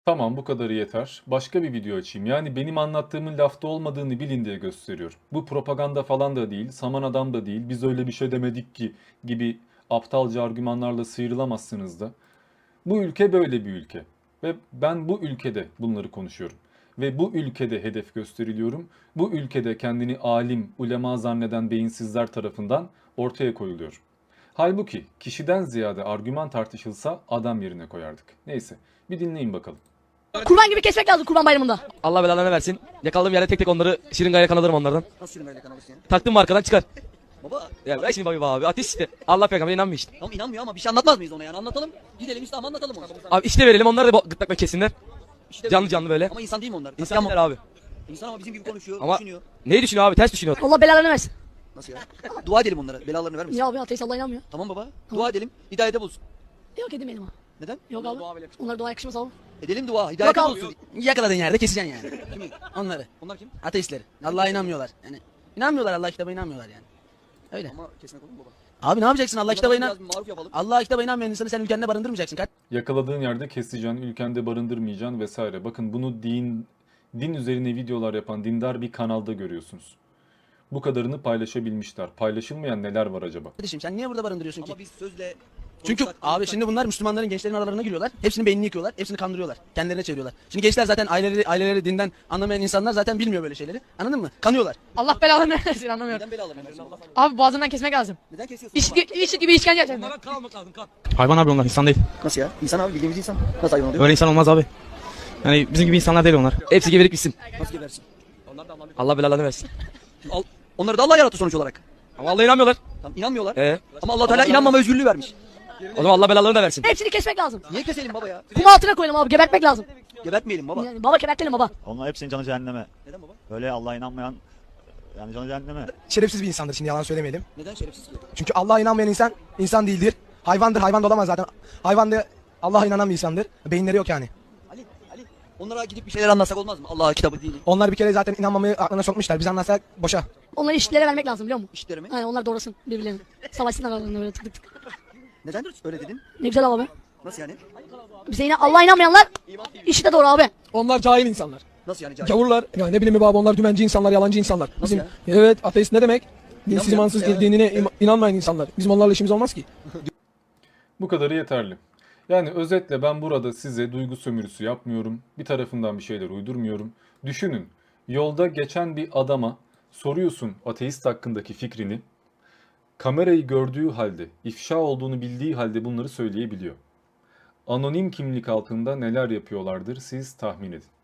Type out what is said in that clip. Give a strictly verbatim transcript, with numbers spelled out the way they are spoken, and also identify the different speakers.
Speaker 1: Tamam, bu kadarı yeter. Başka bir video açayım. Yani benim anlattığımın lafta olmadığını bilin diye gösteriyorum. Bu propaganda falan da değil, saman adam da değil, biz öyle bir şey demedik ki gibi aptalca argümanlarla sıyrılamazsınız da. Bu ülke böyle bir ülke. Ve ben bu ülkede bunları konuşuyorum. Ve bu ülkede hedef gösteriliyorum. Bu ülkede kendini alim, ulema zanneden beyinsizler tarafından ortaya koyuluyor. Halbuki kişiden ziyade argüman tartışılsa adam yerine koyardık. Neyse, bir dinleyin bakalım.
Speaker 2: Kurban gibi kesmek lazım Kurban Bayramı'nda.
Speaker 3: Allah belalarını versin. Yakaladığım yerde tek tek onları şırıngayla kanalarım onlardan.
Speaker 4: Nasıl şırıngayla kanalırsın ya?
Speaker 3: Taktım mı arkadan çıkar.
Speaker 4: Baba
Speaker 3: Ya ver şimdi baba abi. Ateş işte. Allah peygamber inanmıyor işte.
Speaker 4: tamam inanmıyor ama bir şey anlatmaz mıyız ona yani anlatalım. Gidelim İslam anlatalım onu.
Speaker 3: Abi işte verelim onları da bo- gırtlakla kessinler.
Speaker 4: İşte Canlı
Speaker 3: Canlı canlı böyle.
Speaker 4: Ama insan değil mi onlar?
Speaker 3: İnsan
Speaker 4: ama,
Speaker 3: der abi.
Speaker 4: İnsan ama bizim gibi konuşuyor,
Speaker 3: Ama
Speaker 4: düşünüyor.
Speaker 3: neyi düşünüyor abi? Ters düşünüyor.
Speaker 2: Allah belalarını versin.
Speaker 4: Nasıl ya? Dua edelim onlara. Belalarını vermesin.
Speaker 2: Ya abi ateist Allah inanmıyor.
Speaker 4: Tamam baba. Dua edelim. Hidayete bulsun.
Speaker 2: Yok edemeyelim ha.
Speaker 4: Neden?
Speaker 2: Yok abi. Onlara dua yakışmaz abi.
Speaker 4: Edelim dua. Hidayete
Speaker 2: Yok abi.
Speaker 4: bulsun.
Speaker 5: Yakaladığın yerde keseceksin yani.
Speaker 4: Kimi?
Speaker 5: Onları.
Speaker 4: Onlar kim?
Speaker 5: Ateistleri. Allah'a inanmıyorlar. Yani inanmıyorlar, Allah kitabına inanmıyorlar yani. Öyle.
Speaker 4: Ama kesmek olur mu baba?
Speaker 5: Abi ne yapacaksın, Allah kitabına inan.
Speaker 4: Biraz bir maruf yapalım.
Speaker 5: Allah kitabına inanmayan insanı sen ülkende barındırmayacaksın. Kaç
Speaker 1: Yakaladığın yerde keseceksin, ülkende barındırmayacaksın vesaire. Bakın bunu din din üzerine videolar yapan dindar bir kanalda görüyorsunuz. Bu kadarını paylaşabilmişler. Paylaşılmayan neler var acaba?
Speaker 5: kardeşim, sen niye burada barındırıyorsun ki?
Speaker 4: Ama biz sözle
Speaker 5: Çünkü
Speaker 4: konuşsak-
Speaker 5: abi şimdi bunlar Müslümanların, gençlerin aralarına giriyorlar. Hepsinin beynini yıkıyorlar. Hepsini kandırıyorlar. Kendilerine çeviriyorlar. Şimdi gençler zaten aileleri, aileleri dinden anlamayan insanlar zaten bilmiyor böyle şeyleri. Anladın mı? Kanıyorlar.
Speaker 2: Allah belalarını versin anlamıyorum.
Speaker 4: Neden belalarını versin baba?
Speaker 2: Abi boğazından kesmek lazım.
Speaker 4: Neden kesiyorsun
Speaker 2: İş,
Speaker 4: baba?
Speaker 2: iş gibi işkence yapacaksın.
Speaker 3: kan almak lazım kan.
Speaker 6: Hayvan abi onlar, insan değil.
Speaker 4: Nasıl ya? İnsan abi bildiğimiz insan. Nasıl hayvan oluyor?
Speaker 6: Öyle insan olmaz abi. Yani bizim gibi insanlar değil onlar.
Speaker 3: Hepsi geberip gitsin.
Speaker 4: Nasıl gebersin?
Speaker 3: Allah belalarını versin.
Speaker 4: Al, onları da Allah yarattı sonuç olarak.
Speaker 3: Ama Allah'a inanmıyorlar.
Speaker 4: Tamam inanmıyorlar.
Speaker 3: Ee?
Speaker 4: Ama Allah Teala inanmama özgürlüğü vermiş.
Speaker 3: O zaman Allah belalarını da versin.
Speaker 2: Hepsini kesmek lazım.
Speaker 4: Niye keselim baba ya?
Speaker 2: Kum altına koyalım abi gebertmek lazım.
Speaker 4: Gebertmeyelim baba.
Speaker 2: Yani baba gebertelim baba.
Speaker 7: Onlar hepsinin canı cehenneme.
Speaker 4: Neden baba?
Speaker 7: Böyle Allah'a inanmayan yani canı cehenneme.
Speaker 8: Şerefsiz bir insandır, şimdi yalan söylemeyelim.
Speaker 4: Neden şerefsiz ki?
Speaker 8: Çünkü Allah'a inanmayan insan insan değildir. Hayvandır, hayvan da olamaz zaten. Hayvan da Allah'a inanan bir insandır. Beyinleri yok yani.
Speaker 4: Ali, Ali. Onlara gidip bir şeyler anlatsak olmaz mı? Allah'a kitabı dini.
Speaker 8: Onlar bir kere zaten inanmamayı aklına sokmuşlar. Biz anlatsak boşa.
Speaker 2: Onları eşitlere vermek lazım biliyor musun?
Speaker 4: İşlerimi.
Speaker 2: Hani onlar doğrasın birbirlerini. Savaşsınlar aralarında böyle tık tık tık.
Speaker 4: Neden öyle dedin?
Speaker 2: Ne güzel abi.
Speaker 4: Nasıl yani?
Speaker 2: Bize yine Allah'a inanmayanlar işi de doğru abi.
Speaker 8: Onlar cahil insanlar.
Speaker 4: Nasıl yani cahil?
Speaker 8: Gavurlar. Ya ne bileyim baba, onlar dümenci insanlar, yalancı insanlar. Bizim
Speaker 4: ya?
Speaker 8: evet, ateist ne demek? Dinsiz,
Speaker 4: İnanmayan-
Speaker 8: imansız,
Speaker 4: Evet.
Speaker 8: dinine im- inanmayan insanlar. Bizim onlarla işimiz olmaz ki.
Speaker 1: Bu kadarı yeterli. Yani özetle ben burada size duygu sömürüsü yapmıyorum. Bir tarafından bir şeyler uydurmuyorum. Düşünün, yolda geçen bir adama soruyorsun ateist hakkındaki fikrini. Kamerayı gördüğü halde, ifşa olduğunu bildiği halde bunları söyleyebiliyor. Anonim kimlik altında neler yapıyorlardır siz tahmin edin.